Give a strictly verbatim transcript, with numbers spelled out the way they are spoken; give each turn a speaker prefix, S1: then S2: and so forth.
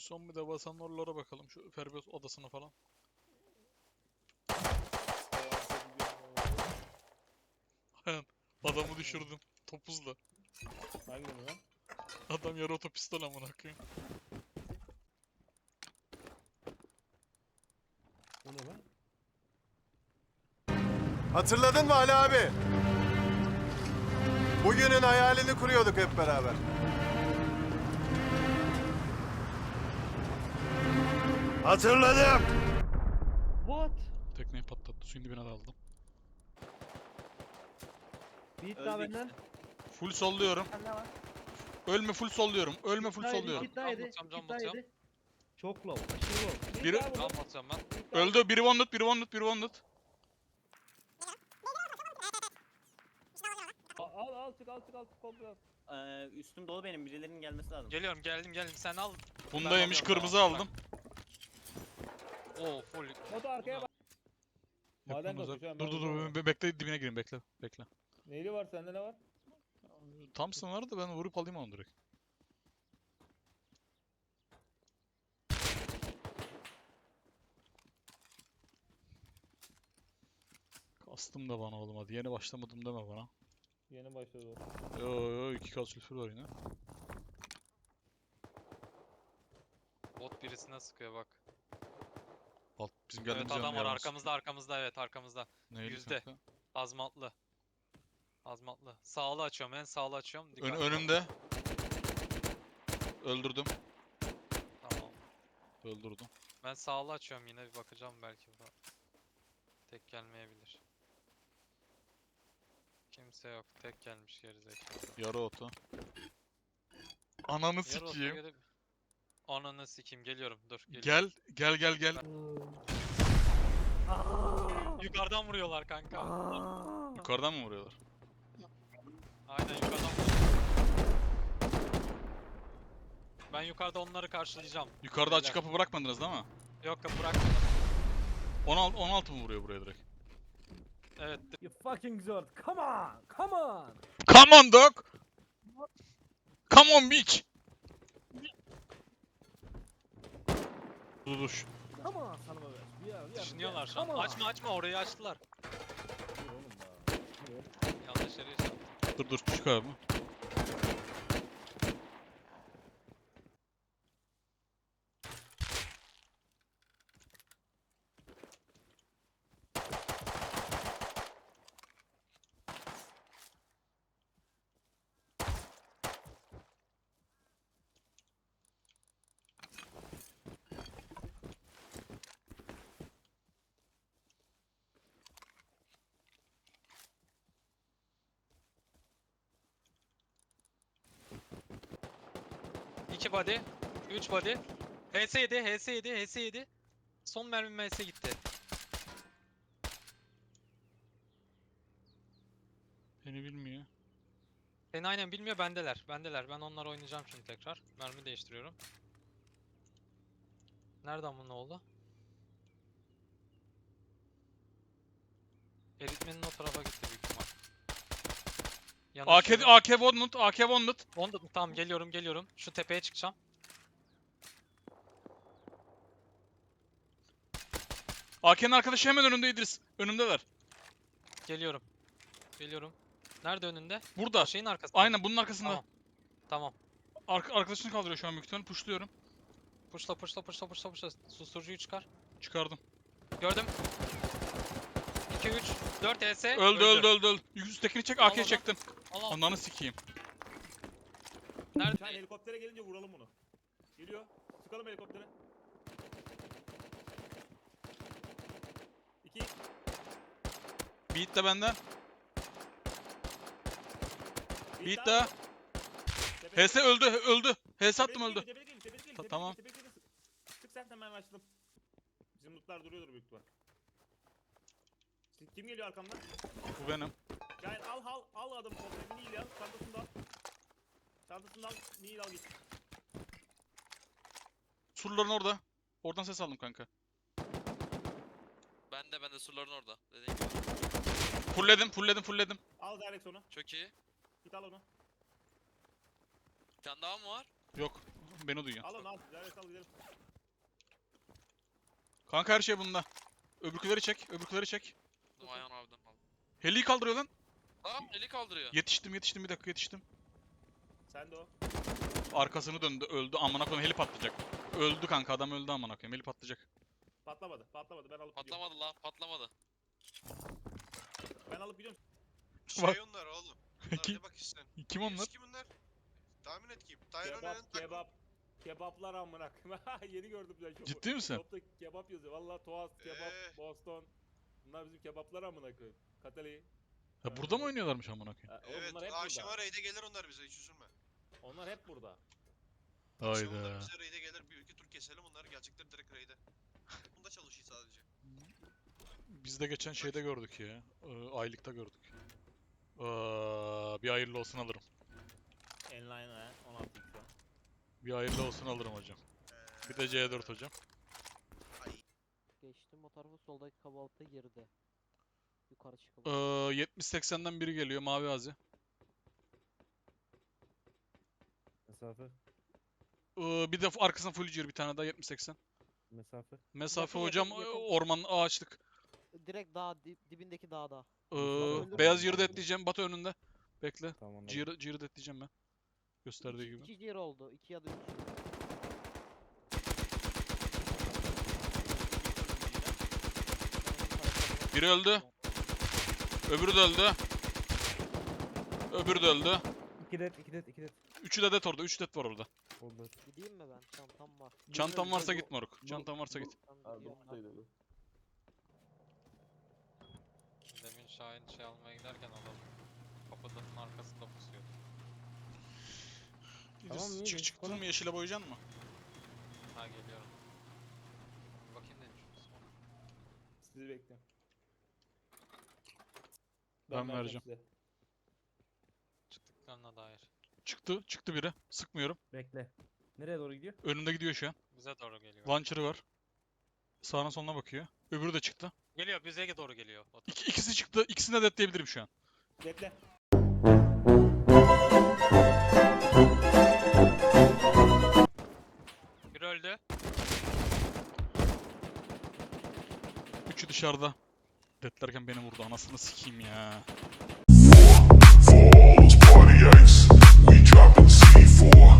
S1: Son bir de basan oralara bakalım. Şu Ferbiyot odasına falan. Adamı düşürdüm. Topuzla.
S2: Hangi lan?
S1: Adam yarı otopistol amına koyayım.
S2: O ne lan?
S3: Hatırladın mı Ali abi? Bugünün hayalini kuruyorduk hep beraber. Hatırladım.
S2: What?
S1: Tekneyi patlattı. Suyun dibine daldım.
S2: Bir hit daha
S4: Öldü
S2: benden.
S1: Full solluyorum.
S2: Ne var?
S1: Ölme full solluyorum. Ölme full
S2: Daha yedi,
S1: solluyorum.
S2: hit daha yedi,
S4: Can basacağım,
S2: hit
S4: can
S2: daha
S4: basacağım.
S2: yedi. Çok low, aşırı low. Bir
S1: Biri-
S2: daha vurdum,
S4: Can basacağım ben.
S2: bir hit daha.
S1: Öldü. Biri wounded, biri wounded, biri wounded.
S2: Al al al çık al çık al çık komple al.
S4: Ee, üstüm dolu benim. Birilerinin gelmesi lazım.
S5: Geliyorum geldim geldim sen al.
S1: Bunda
S5: Ben
S1: yemiş
S5: alıyorum,
S1: kırmızı
S5: tamam,
S1: aldım.
S5: Oo full.
S2: Moto arkaya bak. Maden
S1: Yakınız
S2: kapı şu
S1: abi.
S2: an.
S1: Dur dur dur. be- Bekle dibine gireyim. Bekle. Bekle.
S2: Neyli var sende ne var?
S1: Thompson var da ben vurup alayım onu direkt. Kastım da bana oğlum hadi. Yeni başlamadım deme bana.
S2: Yeni başladı o.
S1: Yo yo iki kas sülfür var yine.
S5: Bot birisine sıkıyor bak.
S1: Alt bizim
S5: Evet
S1: geldiğimiz
S5: adam
S1: yanın
S5: var
S1: yanına
S5: arkamızda arkamızda evet arkamızda.
S1: sıkıyor. Neydi
S5: yüzde.
S1: kanka?
S5: Azmatlı. Azmatlı. Sağlı açıyorum en sağlı açıyorum.
S1: Ön,
S5: Dikkatli bak.
S1: önümde. Öldürdüm.
S5: Tamam.
S1: Öldürdüm.
S5: Ben sağlı açıyorum yine bir bakacağım belki bu. Tek gelmeyebilir. Kimse yok. Tek gelmiş gerizekalı.
S1: Yarı oto. Ananı
S5: Yarı olsa
S1: sikeyim.
S5: gelip- Ananı sikeyim geliyorum dur geliyorum.
S1: Gel. Gel gel gel.
S5: Yukarıdan vuruyorlar kanka.
S1: Yukarıdan mı vuruyorlar?
S5: Aynen yukarıdan vuruyorlar. Ben yukarıda onları karşılayacağım.
S1: Yukarıda açık
S5: Beyler.
S1: kapı bırakmadınız değil mi?
S5: Yok kapı bırakmadım.
S1: on altı, on altı mı vuruyor buraya direkt?
S5: Evet.
S2: You fucking zord. Come on. Come on.
S1: Come on dog. Come on bitch. Dur dur.
S2: Come on sana be. Bir yer, bir yer,
S5: Düşünüyorlar
S2: bir
S5: şu
S2: yer.
S5: an.
S2: Come on.
S5: Açma açma orayı açtılar.
S2: Dur oğlum ya. Dur.
S5: Yanlış yere açtım.
S1: Dur dur çık abi.
S5: iki body. üç body. H S yedi, H S yedi, H S yedi. Son mermim H S gitti.
S1: Beni bilmiyor.
S5: Seni aynen bilmiyor bendeler. Bendeler. Ben onları oynayacağım şimdi tekrar. Mermi değiştiriyorum. Nereden bu ne oldu? Eritmenin o tarafa gitti büyük ihtimal.
S1: A K,
S5: Yanaşıyorum.
S1: A K Wonded, A K Wonded.
S5: Onda tamam geliyorum geliyorum. Şu tepeye çıkacağım.
S1: A K'nin arkadaşı hemen önünde İdris. Önündeler.
S5: Geliyorum. Geliyorum. Nerede önünde?
S1: Burada.
S5: O şeyin arkasında.
S1: Aynen bunun arkasında.
S5: Tamam. Tamam.
S1: Ark arkadaşını kaldırıyor şu an büyük ihtimalle. Pushluyorum.
S5: Puşla puşla puşla puşla puşla. Susturucuyu çıkar.
S1: Çıkardım.
S5: Gördüm. iki üç dört E S.
S1: Öldü öldü öldü öldü. Üsttekini çek,
S5: Al
S1: A K'yi
S5: onu.
S1: çektim.
S5: Al al.
S1: Ananı sikeyim.
S5: Nerede?
S2: Sen helikoptere gelince vuralım bunu. Geliyor. Sıkalım helikoptere. İki.
S1: Beat de benden.
S2: Bir
S1: Beat daha. H S öldü öldü. H S attım öldü. Ta- tamam.
S2: Sık sen hemen açtım. Bizim lootlar duruyordur büyük ihtimal. Kim geliyor arkamdan?
S1: Bu benim.
S2: Gel al al al adamı kontrolü. Nil al. Çantasını da al. Çantasını da al. Nil al git.
S1: Surların orada. Oradan ses aldım kanka.
S6: Ben de ben de surların orada. Dediğin gibi.
S1: Fullledim fullledim fullledim.
S2: Al direkt onu.
S6: Çok iyi.
S2: Git al onu.
S6: Bir tane daha mı var?
S1: Yok. duyuyorsun, beni duyuyorsun.
S2: Alın al. Servet al gidelim.
S1: Kanka her şey bunda. Öbürküleri çek, öbürküleri çek.
S6: Dur Ayhan abiden al.
S1: Heli'yi kaldırıyor lan.
S6: Tamam eli kaldırıyor.
S1: Yetiştim, yetiştim, bir dakika yetiştim.
S2: Sen de o.
S1: Arkasını döndü, öldü. Amına koyayım, heli patlayacak. Öldü kanka, adam öldü amına koyayım. Heli patlayacak.
S2: Patlamadı. Patlamadı. Ben alıp gidiyorum.
S6: Patlamadı lan patlamadı.
S2: Ben alıp gidiyorum.
S1: Bak.
S7: Şey onlar oğlum. Bunlar
S1: Kim-
S7: ne bak işte.
S1: Kim onlar?
S7: Kim bunlar? Tahmin et kim? Tyrone
S2: Kebap, kebap. Kebaplar amına koyayım. Yeni gördüm ben şopu.
S1: Ciddi misin?
S2: Shop'ta kebap yazıyor. Valla Toast, kebap,
S7: Ee.
S2: Boston. Bunlar bizim kebaplar amına koyayım. Katali.
S1: Ha, burada mı oynuyorlarmış amına koyayım?
S2: Ha, oğlum
S7: Evet,
S2: bunlar hep
S7: akşama
S2: burada.
S7: raid'e gelir onlar bize hiç üzülme.
S2: Onlar hep burada.
S7: Akşam onlar
S1: Hayda.
S7: bize raid'e gelir, bir iki tur keselim onlar gelecekler direkt raid'e. Bunda çalışıyor sadece.
S1: Biz de geçen şeyde gördük ya. Ee, aylıkta gördük. Aa, bir hayırlı olsun alırım.
S2: Enline ha. on altı x'e.
S1: Bir hayırlı olsun alırım hocam.
S7: Ee,
S1: Bir de C dört hocam.
S7: Ay,
S8: Geçtim o tarafa soldaki kabalıkta geride. Yukarı çıkalım.
S1: Ee, yetmiş seksenden biri geliyor mavi hazi.
S9: Mesafe,
S1: Ee, bir de arkasına full clear bir tane daha yetmiş seksen.
S9: mesafe.
S1: Mesafe
S8: Yakın,
S1: hocam
S8: yakın,
S1: e,
S8: yakın.
S1: orman ağaçlık.
S8: Direkt dağ dip- dibindeki dağda.
S1: Ee,
S8: öldürme,
S1: beyaz
S8: öldürme.
S1: yırdı etleyeceğim Batı önünde. Bekle.
S9: Tamam anladım.
S1: Cırı, cırı etleyeceğim ben. Gösterdiği
S8: İki,
S1: gibi.
S8: iki yer oldu. iki ya da üç.
S1: Biri öldü. Öbürü de öldü. Öbürü de öldü.
S9: İki det, iki det, iki det.
S1: Üçü de det orada. Üç det var orada.
S9: Oldu.
S8: Gideyim mi ben? Çantam var.
S1: Çantan varsa git moruk. Çantan varsa git.
S8: Ben gidiyorum.
S5: Demin Şahin şey almaya giderken adam kapının arkasında pusuyordu.
S9: Tamam, iyi,
S1: Çık
S9: iyi.
S1: çıktın mı yeşile boyayacaksın mı?
S5: Ha geliyorum. Bir bakayım demiş.
S2: Sizi bekliyorum.
S1: Ben
S2: vereceğim
S1: vereceğim.
S2: size.
S5: Çıktıklarına dair.
S1: Çıktı. Çıktı biri. Sıkmıyorum.
S9: Bekle. Nereye doğru gidiyor?
S1: Önünde gidiyor şu an.
S5: Bize doğru geliyor.
S1: Launcher'ı var. Sağına soluna bakıyor. Öbürü de çıktı.
S5: Geliyor bize doğru geliyor. O
S1: İki, ikisi çıktı. İkisini de detleyebilirim şu an.
S2: Bekle.
S5: Biri öldü.
S1: Üçü dışarıda. Detlerken beni vurdu. Anasını sikeyim ya.
S10: For all those party ice, we dropping C four.